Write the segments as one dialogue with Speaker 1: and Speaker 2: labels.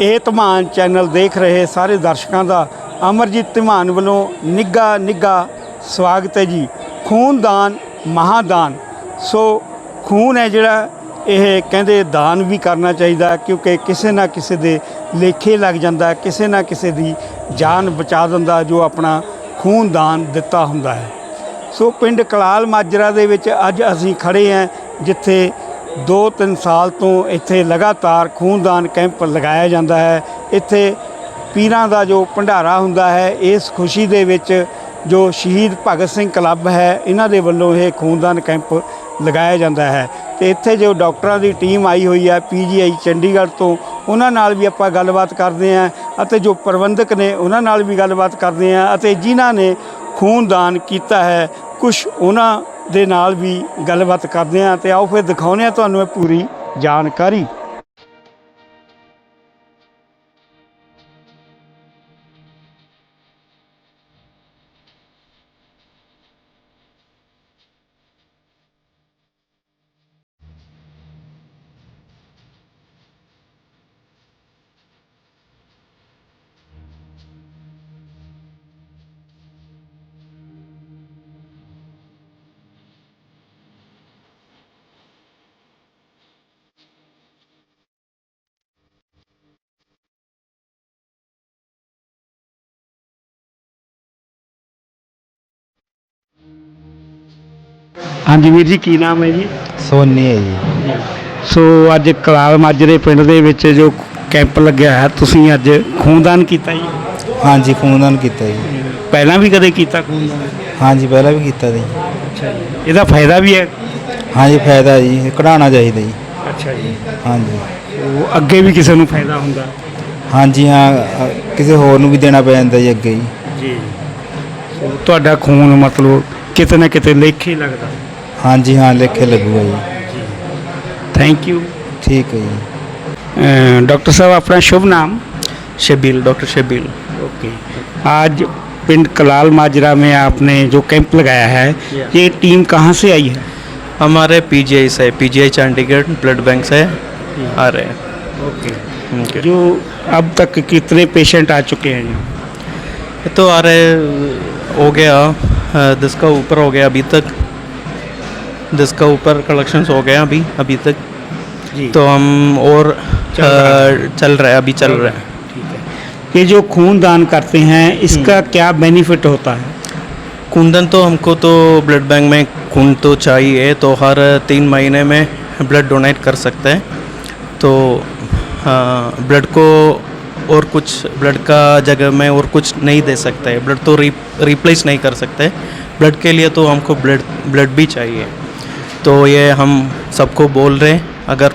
Speaker 1: ਇਹ ਧਮਾਨ ਚੈਨਲ ਦੇਖ ਰਹੇ ਸਾਰੇ ਦਰਸ਼ਕਾਂ ਦਾ ਅਮਰਜੀਤ ਧਮਾਨ ਵੱਲੋਂ ਨਿੱਘਾ ਸਵਾਗਤ ਹੈ ਜੀ। ਖੂਨਦਾਨ ਮਹਾਦਾਨ। ਸੋ ਖੂਨ ਹੈ ਜਿਹੜਾ ਇਹ ਕਹਿੰਦੇ ਦਾਨ ਵੀ ਕਰਨਾ ਚਾਹੀਦਾ, ਕਿਉਂਕਿ ਕਿਸੇ ਨਾ ਕਿਸੇ ਦੇ ਲੇਖੇ ਲੱਗ ਜਾਂਦਾ, ਕਿਸੇ ਨਾ ਕਿਸੇ ਦੀ ਜਾਨ ਬਚਾ ਦਿੰਦਾ ਜੋ ਆਪਣਾ ਖੂਨਦਾਨ ਦਿੱਤਾ ਹੁੰਦਾ ਹੈ। ਸੋ ਪਿੰਡ ਕਲਾਲ ਮਾਜਰਾ ਦੇ ਵਿੱਚ ਅੱਜ ਅਸੀਂ ਖੜ੍ਹੇ ਹਾਂ, ਜਿੱਥੇ 2-3 ਸਾਲ ਤੋਂ ਇੱਥੇ ਲਗਾਤਾਰ ਖੂਨਦਾਨ ਕੈਂਪ ਲਗਾਇਆ ਜਾਂਦਾ ਹੈ। ਇੱਥੇ ਪੀਰਾਂ ਦਾ ਜੋ ਭੰਡਾਰਾ ਹੁੰਦਾ ਹੈ, ਇਸ ਖੁਸ਼ੀ ਦੇ ਵਿੱਚ ਜੋ ਸ਼ਹੀਦ ਭਗਤ ਸਿੰਘ ਕਲੱਬ ਹੈ, ਇਹਨਾਂ ਦੇ ਵੱਲੋਂ ਇਹ ਖੂਨਦਾਨ ਕੈਂਪ ਲਗਾਇਆ ਜਾਂਦਾ ਹੈ। ਅਤੇ ਇੱਥੇ ਜੋ ਡਾਕਟਰਾਂ ਦੀ ਟੀਮ ਆਈ ਹੋਈ ਹੈ PGI ਚੰਡੀਗੜ੍ਹ ਤੋਂ, ਉਹਨਾਂ ਨਾਲ ਵੀ ਆਪਾਂ ਗੱਲਬਾਤ ਕਰਦੇ ਹਾਂ, ਅਤੇ ਜੋ ਪ੍ਰਬੰਧਕ ਨੇ ਉਹਨਾਂ ਨਾਲ ਵੀ ਗੱਲਬਾਤ ਕਰਦੇ ਹਾਂ, ਅਤੇ ਜਿਨ੍ਹਾਂ ਨੇ ਖੂਨਦਾਨ ਕੀਤਾ ਹੈ ਕੁਛ ਉਹਨਾਂ ਦੇ ਨਾਲ ਵੀ ਗੱਲਬਾਤ ਕਰਦੇ ਹਾਂ। ਅਤੇ ਆਓ ਫਿਰ ਦਿਖਾਉਂਦੇ ਹਾਂ ਤੁਹਾਨੂੰ ਇਹ ਪੂਰੀ ਜਾਣਕਾਰੀ। ਹਾਂਜੀ ਵੀਰ ਜੀ, ਕੀ ਨਾਮ ਹੈ ਜੀ?
Speaker 2: ਸੋਨੀ ਹੈ ਜੀ।
Speaker 1: ਸੋ ਅੱਜ ਕਲਾਲ ਮਾਜਰੇ ਪਿੰਡ ਦੇ ਵਿੱਚ ਜੋ ਕੈਂਪ ਲੱਗਿਆ ਹੈ, ਤੁਸੀਂ ਅੱਜ ਖੂਨਦਾਨ ਕੀਤਾ ਜੀ?
Speaker 2: ਹਾਂਜੀ, ਖੂਨਦਾਨ ਕੀਤਾ ਜੀ।
Speaker 1: ਪਹਿਲਾਂ ਵੀ ਕਦੇ ਕੀਤਾ ਖੂਨਦਾਨ?
Speaker 2: ਹਾਂਜੀ, ਪਹਿਲਾਂ ਵੀ ਕੀਤਾ ਜੀ।
Speaker 1: ਅੱਛਾ ਜੀ। ਇਹਦਾ ਫਾਇਦਾ ਵੀ ਹੈ?
Speaker 2: ਹਾਂਜੀ, ਫਾਇਦਾ ਜੀ, ਕਢਾਉਣਾ ਚਾਹੀਦਾ ਜੀ।
Speaker 1: ਅੱਛਾ ਜੀ।
Speaker 2: ਹਾਂਜੀ,
Speaker 1: ਉਹ ਅੱਗੇ ਵੀ ਕਿਸੇ ਨੂੰ ਫਾਇਦਾ ਹੁੰਦਾ?
Speaker 2: ਹਾਂਜੀ ਹਾਂ, ਕਿਸੇ ਹੋਰ ਨੂੰ ਵੀ ਦੇਣਾ ਪੈ ਜਾਂਦਾ ਜੀ ਅੱਗੇ
Speaker 1: ਜੀ। ਸੋ ਤੁਹਾਡਾ ਖੂਨ ਮਤਲਬ ਕਿਤੇ ਨਾ ਕਿਤੇ ਲੇਖੇ ਲੱਗਦਾ?
Speaker 2: ਹਾਂਜੀ ਹਾਂ, ਲੇਖੇ ਲੱਗੂਗਾ ਜੀ।
Speaker 1: Thank you.
Speaker 2: ठीक है जी।
Speaker 1: डॉक्टर साहब, अपना शुभ नाम?
Speaker 3: शबील, डॉक्टर शबील।
Speaker 1: ओके। आज पिंड कलाल माजरा में आपने जो कैंप लगाया है, ये टीम कहाँ से आई है?
Speaker 3: हमारे PGI से, PGI चंडीगढ़ ब्लड बैंक से आ रहे हैं।
Speaker 1: ओके। जो अब तक कितने पेशेंट आ चुके हैं?
Speaker 3: ये तो आ रहे हो गया 10 का ऊपर हो गया अभी तक, 10 का ऊपर कलेक्शंस हो गया अभी तक जी। तो हम और चल रहा है, अभी चल रहा है।
Speaker 1: ठीक है। ये जो खूनदान करते हैं, इसका क्या बेनिफिट होता है?
Speaker 3: खूनदान तो हमको तो ब्लड बैंक में खून तो चाहिए, तो हर 3 महीने में ब्लड डोनेट कर सकते हैं। तो ब्लड को और कुछ ब्लड का जगह में और कुछ नहीं दे सकते, ब्लड तो रिप्लेस नहीं कर सकते। ब्लड के लिए तो हमको ब्लड भी चाहिए। तो ये हम सबको बोल रहे हैं, अगर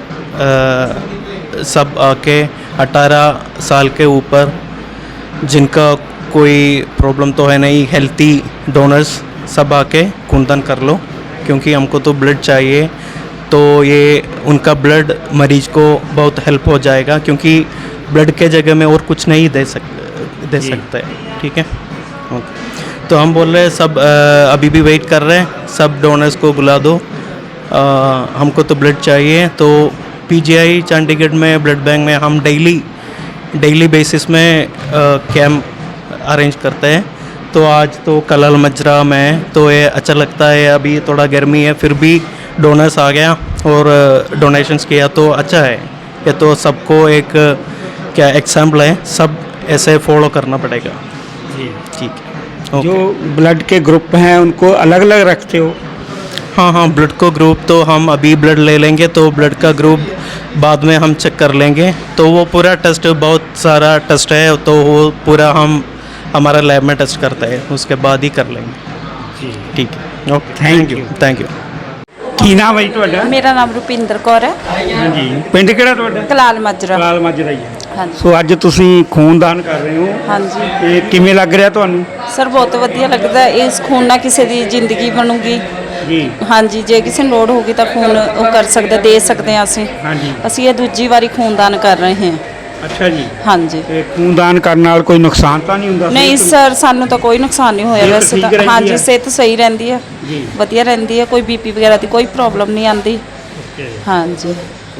Speaker 3: सब आके 18 साल के ऊपर जिनका कोई प्रॉब्लम तो है नहीं, हेल्थी डोनर्स, सब आके खूनदान कर लो, क्योंकि हमको तो ब्लड चाहिए। तो ये उनका ब्लड मरीज को बहुत हेल्प हो जाएगा, क्योंकि ब्लड के जगह में और कुछ नहीं दे सकते। ठीक है, ओके। तो हम बोल रहे हैं सब अभी भी वेट कर रहे हैं, सब डोनर्स को बुला दो, हमको तो ब्लड चाहिए। तो PGI चंडीगढ़ में ब्लड बैंक में हम डेली बेसिस में कैंप अरेंज करते हैं। तो आज तो कलाल माजरा में तो ये अच्छा लगता है, अभी थोड़ा गर्मी है फिर भी डोनर्स आ गया और डोनेशंस किया, तो अच्छा है। ये तो सबको एक क्या एग्जाम्पल है, सब ऐसे फॉलो करना पड़ेगा जी। ठीक है।
Speaker 1: जो ब्लड के ग्रुप हैं उनको अलग अलग रखते हो?
Speaker 3: हाँ, ब्लड को ग्रुप तो हम अभी ब्लड ले लेंगे, तो ब्लड का ग्रुप बाद में हम चेक कर लेंगे। तो वो पूरा टेस्ट, बहुत सारा टेस्ट है, तो वो पूरा हम हमारा लैब में टेस्ट करते हैं, उसके बाद ही कर लेंगे जी। ठीक है, ओके, थैंक यू।
Speaker 1: ਕੀ ਨਾਮ ਹੈ ਜੀ ਤੁਹਾਡਾ?
Speaker 4: ਮੇਰਾ ਨਾਮ ਰੁਪਿੰਦਰ ਕੌਰ ਹੈ।
Speaker 1: ਹਾਂਜੀ। ਪਿੰਡ ਕਿਹੜਾ ਤੁਹਾਡਾ?
Speaker 4: ਕਲਾਲ ਮਾਜਰਾ।
Speaker 1: ਕਲਾਲ ਮਾਜਰਾ ਹੀ ਹੈ।
Speaker 4: ਹਾਂਜੀ।
Speaker 1: ਸੋ ਅੱਜ ਤੁਸੀਂ ਖੂਨਦਾਨ ਕਰ ਰਹੇ ਹੋ,
Speaker 4: ਹਾਂਜੀ।
Speaker 1: ਇਹ ਕਿਵੇਂ ਲੱਗ ਰਿਹਾ ਤੁਹਾਨੂੰ?
Speaker 4: ਸਰ ਬਹੁਤ ਵਧੀਆ ਲੱਗਦਾ ਹੈ, ਇਸ ਖੂਨ ਨਾਲ ਕਿਸੇ ਦੀ ਜ਼ਿੰਦਗੀ ਬਣੂਗੀ
Speaker 1: ਜੀ।
Speaker 4: ਹਾਂਜੀ, ਜੇ ਕਿਸੇ ਨੂੰ ਲੋੜ ਹੋਗੀ ਤਾਂ ਖੂਨ ਉਹ ਕਰ ਸਕਦਾ, ਦੇ ਸਕਦੇ ਹਾਂ ਅਸੀਂ।
Speaker 1: ਹਾਂਜੀ।
Speaker 4: ਅਸੀਂ ਇਹ ਦੂਜੀ ਵਾਰੀ ਖੂਨਦਾਨ ਕਰ ਰਹੇ ਹਾਂ।
Speaker 1: ਅੱਛਾ ਜੀ।
Speaker 4: ਹਾਂਜੀ।
Speaker 1: ਤੇ ਖੂਨਦਾਨ ਕਰਨ ਨਾਲ ਕੋਈ ਨੁਕਸਾਨ ਤਾਂ ਨਹੀਂ ਹੁੰਦਾ?
Speaker 4: ਨਹੀਂ ਸਰ, ਸਾਨੂੰ ਤਾਂ ਕੋਈ ਨੁਕਸਾਨ ਨਹੀਂ ਹੋਇਆ ਵੈਸੇ ਤਾਂ। ਹਾਂਜੀ, ਸਿਹਤ ਸਹੀ ਰਹਿੰਦੀ ਹੈ
Speaker 1: ਜੀ,
Speaker 4: ਵਧੀਆ ਰਹਿੰਦੀ ਹੈ, ਕੋਈ BP ਵਗੈਰਾ ਦੀ ਕੋਈ ਪ੍ਰੋਬਲਮ ਨਹੀਂ ਆਉਂਦੀ। ਹਾਂਜੀ।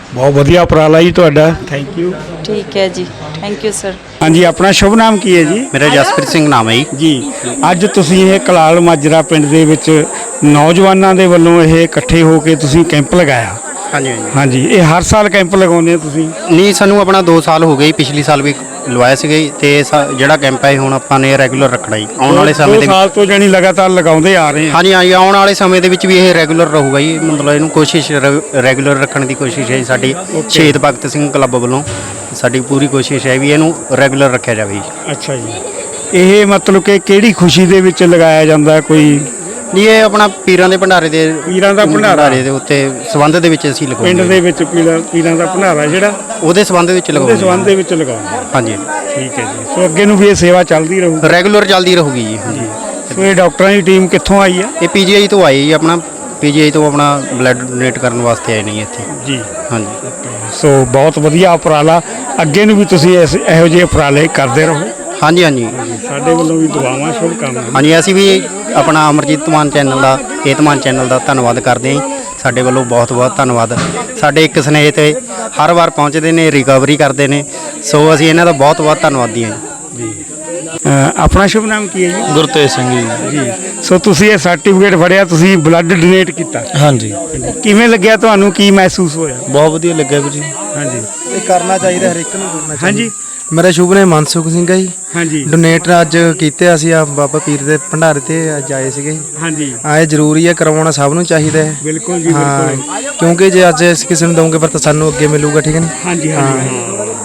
Speaker 1: ਬਹੁਤ ਵਧੀਆ ਉਪਰਾਲਾ ਜੀ ਤੁਹਾਡਾ, ਥੈਂਕ ਯੂ।
Speaker 4: ਠੀਕ ਹੈ ਜੀ, ਥੈਂਕ ਯੂ ਸਰ।
Speaker 1: ਹਾਂਜੀ, ਆਪਣਾ ਸ਼ੁਭ ਨਾਮ ਕੀ ਹੈ ਜੀ?
Speaker 5: ਮੇਰਾ ਜਸਪ੍ਰੀਤ ਸਿੰਘ ਨਾਮ ਹੈ ਜੀ।
Speaker 1: ਜੀ, ਅੱਜ ਤੁਸੀਂ ਇਹ ਕਲਾਲ ਮਾਜਰਾ ਪਿੰਡ ਦੇ ਵਿੱਚ ਨੌਜਵਾਨਾਂ ਦੇ ਵੱਲੋਂ ਇਹ ਇਕੱਠੇ ਹੋ ਕੇ ਤੁਸੀਂ ਕੈਂਪ ਲਗਾਇਆ।
Speaker 5: ਹਾਂਜੀ ਹਾਂਜੀ।
Speaker 1: ਹਾਂਜੀ, ਇਹ ਹਰ ਸਾਲ ਕੈਂਪ ਲਗਾਉਂਦੇ ਹੋ ਤੁਸੀਂ?
Speaker 5: ਨਹੀਂ, ਸਾਨੂੰ ਆਪਣਾ 2 ਸਾਲ ਹੋ ਗਏ, ਪਿਛਲੀ ਸਾਲ ਵੀ ਲਵਾਇਆ ਸੀਗਾ ਜੀ, ਤੇ ਜਿਹੜਾ ਕੈਂਪ ਹੈ ਹੁਣ ਆਪਾਂ ਨੇ ਰੈਗੂਲਰ ਰੱਖਣਾ ਜੀ ਆਉਣ ਵਾਲੇ ਸਮੇਂ ਦੇ
Speaker 1: 2 ਸਾਲ ਤੋਂ ਜਾਨੀ ਲਗਾਤਾਰ ਲਗਾਉਂਦੇ ਆ ਰਹੇ ਹਾਂ।
Speaker 5: ਹਾਂਜੀ ਹਾਂਜੀ, ਆਉਣ ਵਾਲੇ ਸਮੇਂ ਦੇ ਵਿੱਚ ਵੀ ਇਹ ਰੈਗੂਲਰ ਰਹੂਗਾ ਜੀ, ਮਤਲਬ ਇਹਨੂੰ ਕੋਸ਼ਿਸ਼ ਰੈਗੂਲਰ ਰੱਖਣ ਦੀ ਕੋਸ਼ਿਸ਼ ਹੈ ਜੀ ਸਾਡੀ। ਸ਼ਹੀਦ ਭਗਤ ਸਿੰਘ ਕਲੱਬ ਵੱਲੋਂ ਸਾਡੀ ਪੂਰੀ ਕੋਸ਼ਿਸ਼ ਹੈ ਵੀ ਇਹਨੂੰ ਰੈਗੂਲਰ ਰੱਖਿਆ ਜਾਵੇ ਜੀ।
Speaker 1: ਅੱਛਾ ਜੀ, ਇਹ ਮਤਲਬ ਕਿ ਕਿਹੜੀ ਖੁਸ਼ੀ ਦੇ ਵਿੱਚ ਲਗਾਇਆ ਜਾਂਦਾ? ਕੋਈ
Speaker 5: ਨਹੀਂ, ਇਹ ਆਪਣਾ ਪੀਰਾਂ ਦੇ ਭੰਡਾਰੇ ਦੇ
Speaker 1: ਭੰਡਾਰੇ
Speaker 5: ਦੇ ਉੱਤੇ ਸੰਬੰਧ ਦੇ ਵਿੱਚ ਅਸੀਂ
Speaker 1: ਪਿੰਡ
Speaker 5: ਲਗਾਉਂਦੇ
Speaker 1: ਦੇ ਵਿੱਚ ਪੀਰਾਂ ਦਾ ਭੰਡਾਰਾ ਜਿਹੜਾ
Speaker 5: ਉਹਦੇ ਸੰਬੰਧ ਵਿੱਚ
Speaker 1: ਉਹਦੇ
Speaker 5: ਲਗਾਉਂਦੇ
Speaker 1: ਸੰਬੰਧ ਦੇ ਵਿੱਚ ਲਗਾਉਂਦੇ।
Speaker 5: ਹਾਂਜੀ,
Speaker 1: ਠੀਕ ਹੈ ਜੀ, ਸੋ ਅੱਗੇ ਨੂੰ ਵੀ ਇਹ ਸੇਵਾ ਚੱਲਦੀ ਰਹੂ।
Speaker 5: ਰੈਗੂਲਰ ਚੱਲਦੀ ਰਹੂਗੀ ਜੀ। ਹਾਂਜੀ,
Speaker 1: ਸੋ ਇਹ ਡਾਕਟਰਾਂ ਦੀ ਟੀਮ ਕਿੱਥੋਂ ਆਈ ਆ?
Speaker 5: ਇਹ ਪੀਜੀਆਈ ਤੋਂ ਆਈ ਜੀ, ਆਪਣਾ ਪੀਜੀਆਈ ਤੋਂ ਆਪਣਾ ਬਲੱਡ ਡੋਨੇਟ ਕਰਨ ਵਾਸਤੇ ਆਏ ਨੇ ਇੱਥੇ।
Speaker 1: ਜੀ,
Speaker 5: ਹਾਂਜੀ,
Speaker 1: ਸੋ ਬਹੁਤ ਵਧੀਆ ਉਪਰਾਲਾ, ਅੱਗੇ ਨੂੰ ਵੀ ਤੁਸੀਂ ਇਹੋ ਜਿਹੇ ਉਪਰਾਲੇ ਕਰਦੇ ਰਹੋ।
Speaker 5: ਹਾਂਜੀ ਹਾਂਜੀ
Speaker 1: ਸਾਡੇ ਵੱਲੋਂ ਵੀ ਦੁਆਵਾਂ, ਸ਼ੁਭ ਕਾਮਨਾਵਾਂ।
Speaker 5: ਹਾਂਜੀ, ਅਸੀਂ ਵੀ ਆਪਣਾ ਅਮਰਜੀਤ ਮਾਨ ਚੈਨਲ ਦਾ, ਏਤਮਾਨ ਚੈਨਲ ਦਾ ਧੰਨਵਾਦ ਕਰਦੇ ਹਾਂ ਜੀ। ਸਾਡੇ ਵੱਲੋਂ ਬਹੁਤ ਬਹੁਤ ਧੰਨਵਾਦ। ਸਾਡੇ ਇੱਕ ਸਨੇਹ ਤੇ ਹਰ ਵਾਰ ਪਹੁੰਚਦੇ ਨੇ, ਰਿਕਵਰੀ ਕਰਦੇ ਨੇ, ਸੋ ਅਸੀਂ ਇਹਨਾਂ ਦਾ ਬਹੁਤ ਬਹੁਤ ਧੰਨਵਾਦੀ ਹਾਂ ਜੀ।
Speaker 1: ਆਪਣਾ ਸ਼ੁਭ ਨਾਮ ਕੀ ਹੈ ਜੀ?
Speaker 6: ਗੁਰਤੇਜ ਸਿੰਘ ਜੀ।
Speaker 1: ਜੀ, ਸੋ ਤੁਸੀਂ ਇਹ ਸਰਟੀਫਿਕੇਟ ਫੜਿਆ, ਤੁਸੀਂ ਬਲੱਡ ਡੋਨੇਟ ਕੀਤਾ,
Speaker 6: ਹਾਂਜੀ,
Speaker 1: ਕਿਵੇਂ ਲੱਗਿਆ ਤੁਹਾਨੂੰ? ਕੀ ਮਹਿਸੂਸ ਹੋਇਆ?
Speaker 6: ਬਹੁਤ ਵਧੀਆ ਲੱਗਿਆ ਵੀਰ ਜੀ।
Speaker 1: ਹਾਂਜੀ
Speaker 2: ਇਹ ਕਰਨਾ ਚਾਹੀਦਾ, ਹਰ ਇੱਕ ਨੂੰ ਕਰਨਾ ਚਾਹੀਦਾ।
Speaker 1: ਹਾਂਜੀ
Speaker 2: ਮੇਰਾ ਸ਼ੁਭ ਨਾਮ ਮਨਸੁਖ ਸਿੰਘ ਹੈ ਜੀ।
Speaker 1: ਹਾਂਜੀ
Speaker 2: ਡੋਨੇਟ ਅੱਜ ਕੀਤੇ ਅਸੀਂ ਆ ਬਾਬਾ ਪੀਰ ਦੇ ਭੰਡਾਰੇ ਤੇ ਅੱਜ ਆਏ ਸੀਗੇ।
Speaker 1: ਹਾਂਜੀ,
Speaker 2: ਇਹ ਜ਼ਰੂਰੀ ਹੈ, ਕਰਵਾਉਣਾ ਸਭ ਨੂੰ ਚਾਹੀਦਾ ਹੈ।
Speaker 1: ਬਿਲਕੁਲ ਜੀ,
Speaker 2: ਹਾਂ,
Speaker 1: ਬਿਲਕੁਲ।
Speaker 2: ਕਿਉਂਕਿ ਜੇ ਅੱਜ ਅਸੀਂ ਕਿਸੇ ਨੂੰ ਦਵਾਂਗੇ ਫਿਰ ਤਾਂ ਸਾਨੂੰ ਅੱਗੇ ਮਿਲੂਗਾ, ਠੀਕ ਹੈ ਨੀ?
Speaker 1: ਹਾਂਜੀ ਹਾਂਜੀ,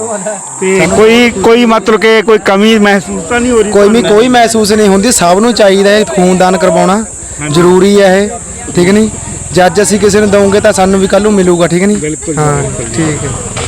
Speaker 1: ਤੇ ਕੋਈ ਮਤਲਬ ਕਿ ਕੋਈ ਕਮੀ ਮਹਿਸੂਸ ਤਾਂ ਨਹੀਂ ਹੋ ਰਹੀ?
Speaker 2: ਕੋਈ ਮਹਿਸੂਸ ਨਹੀਂ ਹੁੰਦੀ, ਸਭ ਨੂੰ ਚਾਹੀਦਾ ਹੈ ਖੂਨਦਾਨ ਕਰਵਾਉਣਾ, ਜ਼ਰੂਰੀ ਹੈ ਇਹ, ਠੀਕ ਨਹੀਂ? ਜੇ ਅੱਜ ਅਸੀਂ ਕਿਸੇ ਨੂੰ ਦਵਾਂਗੇ ਤਾਂ ਸਾਨੂੰ ਵੀ ਕੱਲ ਨੂੰ ਮਿਲੂਗਾ, ਠੀਕ ਨਹੀਂ?
Speaker 1: ਬਿਲਕੁਲ,
Speaker 2: ਹਾਂ,
Speaker 1: ਬਿਲਕੁਲ।
Speaker 2: ਠੀਕ ਹੈ।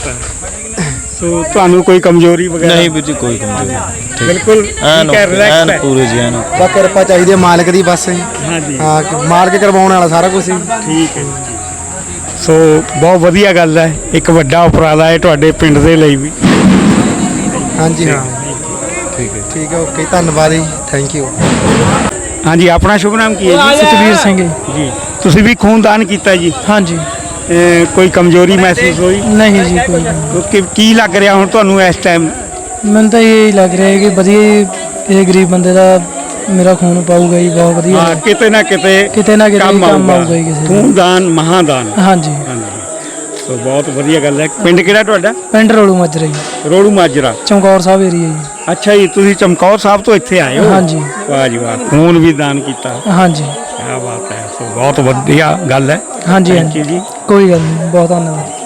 Speaker 1: ਸੋ ਤੁਹਾਨੂੰ ਕੋਈ ਕਮਜ਼ੋਰੀ ਵਗੈਰਾ?
Speaker 6: ਨਹੀਂ ਵੀਰ ਜੀ, ਕੋਈ ਕਮਜ਼ੋਰੀ ਨਹੀਂ।
Speaker 1: ਬਿਲਕੁਲ
Speaker 6: ਐਨ
Speaker 1: ਠੀਕ ਹੈ, ਰਿਲੈਕਸ ਹੈ।
Speaker 6: ਪੂਰੇ ਜੀ, ਐਨ
Speaker 2: ਬਸ ਕਿਰਪਾ ਚਾਹੀਦੀ ਹੈ ਮਾਲਕ ਦੀ, ਬਸ
Speaker 1: ਹਾਂਜੀ,
Speaker 2: ਹਾਂ, ਮਾਲਕ ਕਰਵਾਉਣ ਵਾਲਾ ਸਾਰਾ ਕੁਝ ਹੀ।
Speaker 1: ਠੀਕ ਹੈ ਜੀ। ਸੋ ਬਹੁਤ ਵਧੀਆ ਗੱਲ ਹੈ, ਇੱਕ ਵੱਡਾ ਉਪਰਾਲਾ ਹੈ ਤੁਹਾਡੇ ਪਿੰਡ ਦੇ ਲਈ ਵੀ।
Speaker 2: ਹਾਂਜੀ ਹਾਂ, ਠੀਕ ਹੈ, ਓਕੇ, ਧੰਨਵਾਦ ਜੀ, ਥੈਂਕ ਯੂ।
Speaker 1: ਹਾਂਜੀ, ਆਪਣਾ ਸ਼ੁਭ ਨਾਮ ਕੀ ਹੈ ਜੀ?
Speaker 7: ਸਤਵੀਰ ਸਿੰਘ
Speaker 1: ਜੀ, ਤੁਸੀਂ ਵੀ ਖੂਨਦਾਨ ਕੀਤਾ ਜੀ?
Speaker 7: ਹਾਂਜੀ।
Speaker 1: ਕੋਈ ਕਮਜ਼ੋਰੀ ਮਹਿਸੂਸ ਹੋਈ?
Speaker 7: ਨਹੀਂ ਜੀ, ਕੋਈ ਨਹੀਂ।
Speaker 1: ਕੀ ਲੱਗ ਰਿਹਾ ਹੁਣ ਤੁਹਾਨੂੰ ਇਸ ਟਾਈਮ?
Speaker 7: ਮੈਨੂੰ ਤਾਂ ਇਹ ਲੱਗ ਰਿਹਾ ਹੈ ਕਿ ਵਧੀਆ ਇਹ ਗਰੀਬ ਬੰਦੇ ਦਾ ਮੇਰਾ ਖੂਨ ਪਾਊਗਾ ਜੀ, ਬਹੁਤ ਵਧੀਆ।
Speaker 1: ਹਾਂ, ਕਿਤੇ ਨਾ ਕਿਤੇ
Speaker 7: ਕੰਮ ਆਊਗਾ ਹੀ ਕਿਸੇ ਦਾ।
Speaker 1: ਖੂਨਦਾਨ ਮਹਾਦਾਨ।
Speaker 7: ਹਾਂਜੀ,
Speaker 1: ਸੋ ਬਹੁਤ ਵਧੀਆ ਗੱਲ ਹੈ। ਪਿੰਡ ਕਿਹੜਾ ਤੁਹਾਡਾ?
Speaker 7: ਪਿੰਡ ਰੋਲੂ ਮਾਜਰਾ ਜੀ,
Speaker 1: ਰੋੜੂ ਮਾਜਰਾ,
Speaker 7: ਚਮਕੌਰ ਸਾਹਿਬ ਏਰੀਆ ਜੀ।
Speaker 1: ਅੱਛਾ ਜੀ, ਤੁਸੀਂ ਚਮਕੌਰ ਸਾਹਿਬ ਤੋਂ ਇੱਥੇ ਆਏ ਹੋ?
Speaker 7: ਹਾਂਜੀ।
Speaker 1: ਵਾਹ ਜੀ ਵਾਹ, ਖੂਨ ਵੀ ਦਾਨ ਕੀਤਾ,
Speaker 7: ਹਾਂਜੀ
Speaker 1: ਕੀ ਬਾਤ ਹੈ। ਸੋ ਬਹੁਤ ਵਧੀਆ ਗੱਲ ਹੈ।
Speaker 7: ਹਾਂਜੀ
Speaker 1: Thank you ਜੀ।
Speaker 7: ਕੋਈ ਗੱਲ ਨਹੀਂ, ਬਹੁਤ ਧੰਨਵਾਦ।